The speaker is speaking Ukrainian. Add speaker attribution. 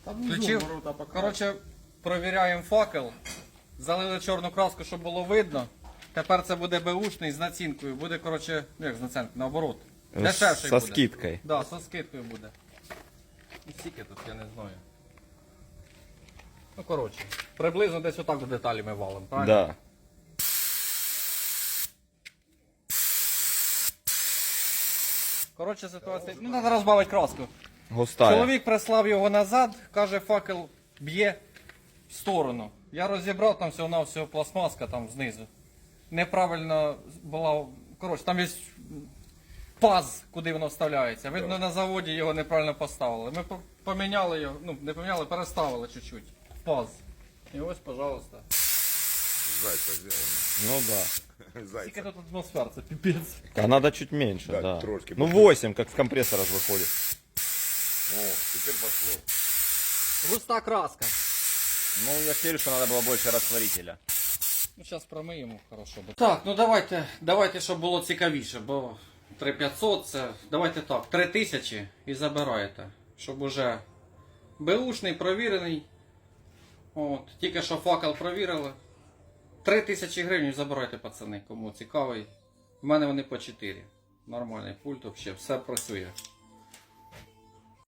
Speaker 1: Включив. Коротше, провіряємо факел. Залили чорну краску, щоб було видно. Тепер це буде беушний з націнкою. Буде, коротше, як з націнкою, наоборот. Дешевший
Speaker 2: Со
Speaker 1: буде.
Speaker 2: скидкою.
Speaker 1: Да, со скидкою буде. І скільки тут, я не знаю. Ну, коротше, приблизно десь отак до деталі ми валимо, правильно?
Speaker 2: Да.
Speaker 1: Коротше, ситуація. Ну, треба розбавити краску.
Speaker 2: Густая.
Speaker 1: Чоловік прислав його назад, каже, факел б'є в сторону. Я розібрав, там всього-навсього пластмаска там знизу. Неправильно була. Коротше, там є паз, куди воно вставляється. Видно, на заводі його неправильно поставили. Ми поміняли його, ну, не поміняли, переставили чуть-чуть. Паз. І ось, пожалуйста.
Speaker 3: Зайца сделано.
Speaker 2: Ну да.
Speaker 1: Скільки
Speaker 3: Зайца.
Speaker 1: тут атмосфер, це піпець.
Speaker 2: А надо чуть меньше,
Speaker 3: Да,
Speaker 2: да.
Speaker 3: трошки
Speaker 2: Ну
Speaker 3: побольше.
Speaker 2: 8, как с компрессора ж выходит.
Speaker 3: О, теперь пошло.
Speaker 1: Густа краска.
Speaker 2: Ну, я верю, что надо было больше растворителя.
Speaker 1: Ну, зараз промиємо, хорошо. Так, ну давайте, щоб було цікавіше, бо 3500 це, давайте так, 3000 і забираєте, щоб уже беушний, провірений. От, тільки що факел провірили. 3000 гривень забирайте, пацани, кому цікавий. У мене вони по 4. Нормальний пульт, взагалі, все працює.